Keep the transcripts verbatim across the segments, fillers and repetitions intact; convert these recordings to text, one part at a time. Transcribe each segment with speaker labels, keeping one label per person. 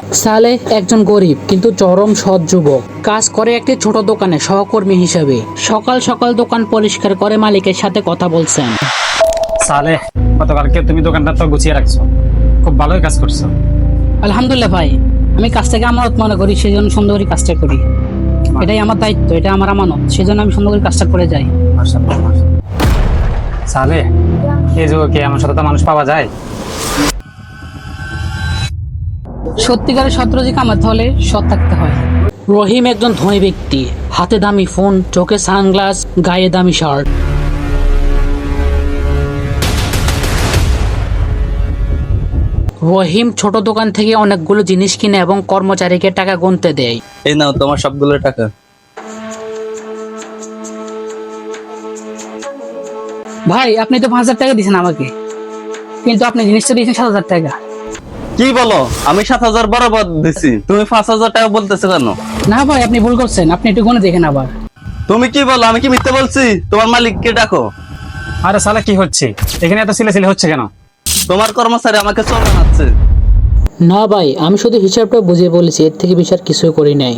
Speaker 1: সালেহ একজন গরিব কিন্তু চরম সৎ যুবক। কাজ করে একটি ছোট দোকানে সহকর্মী হিসেবে। সকাল সকাল দোকান পরিষ্কার করে মালিকের সাথে কথা বলছেন।
Speaker 2: সালেহ, গতকালকে তুমি দোকানটা তো গুছিয়ে রাখছো, খুব ভালোই কাজ করছো।
Speaker 1: আলহামদুলিল্লাহ ভাই, আমি কাজটাকে আমানত মনে করি, সেই জন্য সুন্দর করে কাজটা করি। এটাই আমার দায়িত্ব, এটা আমার আমানত, সেই জন্য আমি সুন্দর করে কাজটা করে যাই।
Speaker 2: মাশাআল্লাহ, মাশাআল্লাহ। সালেহ, এই যুগে কি এমন সততা মানুষ পাওয়া যায়?
Speaker 1: সত্যিকারের সৎ রুজি কামাতে হলে সৎ থাকতে হয়। রহিম একজন ধনী ব্যক্তি, হাতে দামি ফোন, চোখে সানগ্লাস, গায়ে দামি শার্ট। রহিম ছোট দোকান থেকে অনেকগুলো জিনিস কিনে এবং কর্মচারীকে টাকা গুনতে দেয়।
Speaker 3: এই নাও তোমার সবগুলো টাকা।
Speaker 1: ভাই, আপনি তো পাঁচ হাজার টাকা দিয়েছেন আমাকে, কিন্তু আপনি জিনিসটা দিয়েছেন সাত হাজার টাকা।
Speaker 3: কি বলো? আমি সাত হাজার বরাবর দিছি, তুমি পাঁচ হাজার টাকা বলতেছো কেন?
Speaker 1: না ভাই, আপনি ভুল করছেন, আপনি একটু গুনে দেখেন আবার।
Speaker 3: তুমি কি বলো? আমি কি মিথ্যে বলছি? তোমার মালিককে ডাকো।
Speaker 2: আরে সালেহ, কি হচ্ছে এখানে? এত সিলেসিলে হচ্ছে কেন?
Speaker 3: তোমার কর্মচারী আমাকে চোর বানাচ্ছে।
Speaker 1: না ভাই, আমি শুধু হিসাবটা বুঝিয়ে বলেছি, এর থেকে বেশি আর কিছুই করি নাই।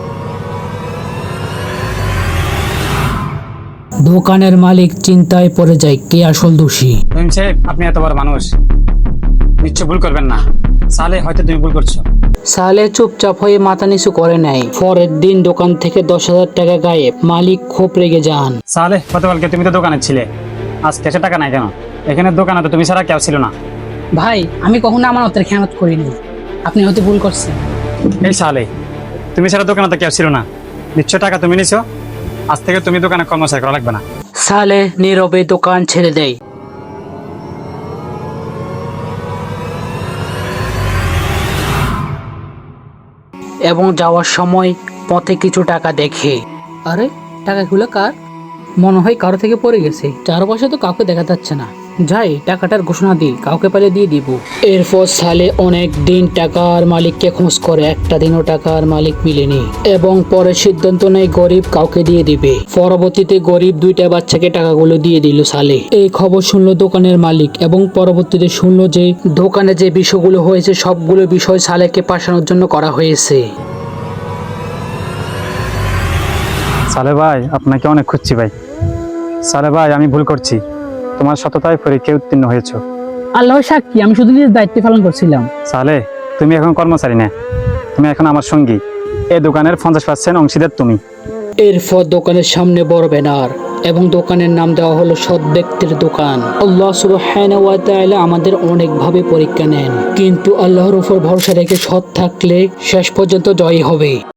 Speaker 1: দোকানের মালিক চিন্তায় পড়ে যায়, কে আসল দোষী।
Speaker 2: রহিম সাহেব, আপনি এত বড় মানুষ, নিশ্চয় ভুল করবেন না। সালেহ, হয়তো তুমি ভুল করছো।
Speaker 1: সালেহ চুপচাপ হয়ে মাথা নিচু করে নেয়। পরের দিন দোকান থেকে দশ হাজার টাকা গায়েব। মালিক খুব রেগে যান।
Speaker 2: সালেহ, গতকালকে তুমি তো দোকানে ছিলে, আজ ক্যাশে টাকা নাই কেন? এখানে দোকানে তো তুমি ছাড়া কেউ ছিল না।
Speaker 1: ভাই, আমি কখনো আমানতের খেয়ানত করিনি, আপনি হয়তো ভুল করছেন।
Speaker 2: এই সালেহ, তুমি ছাড়া দোকানে তো কেউ ছিল না, নিশ্চয় টাকা তুমি নিছো। আজ থেকে তুমি দোকানে কর্মচারী করা লাগবে না।
Speaker 1: সালেহ নীরবে দোকান ছেড়ে দেয়। এবং যাওয়ার সময় পথে কিছু টাকা দেখে। আরে, টাকাগুলো কার? মনে হয় কারো থেকে পড়ে গেছে। চারপাশে তো কাউকে দেখা যাচ্ছে না। যাই, টাকাটার ঘোষণা দিই, কাউকে পেলে দিয়ে দিব। এরপর সালে অনেক দিন টাকার মালিককে খোঁজ করে, একটা দিনও টাকার মালিক মিলেনি এবং পরে সিদ্ধান্ত নেয় গরিব কাউকে দিয়ে দিবে। পরবর্তীতে গরিব দুইটা বাচ্চাকে টাকাগুলো দিয়ে দিল সালে। এই খবর শুনলো দোকানের মালিক এবং পরবর্তীতে শুনলো যে দোকানে যে বিষয়গুলো হয়েছে সবগুলো বিষয় সালেকে পাঠানোর জন্য করা হয়েছে।
Speaker 2: সালেহ ভাই, আপনাকে অনেক খুঁজছি ভাই। সালেহ ভাই, আমি ভুল করছি, তোমার সততায় পরীক্ষায় উত্তীর্ণ হয়েছো।
Speaker 1: আল্লাহ সাক্ষী, আমি শুধু নিজের দায়িত্ব পালন করছিলাম।
Speaker 2: সালেহ, তুমি এখন কর্মচারী না, তুমি এখন আমার সঙ্গী। এই দোকানের পঞ্চাশ পার্সেন্ট অংশীদার তুমি।
Speaker 1: এরপর দোকানের সামনে বড় ব্যানার এবং দোকানের নাম দেওয়া হলো সৎ ব্যক্তির দোকান। আল্লাহ সুবহানাহু ওয়া তাআলা আমাদের অনেকভাবে পরীক্ষা নেন, কিন্তু আল্লাহর উপর ভরসা রেখে সৎ থাকলে শেষ পর্যন্ত জয়ী হবে।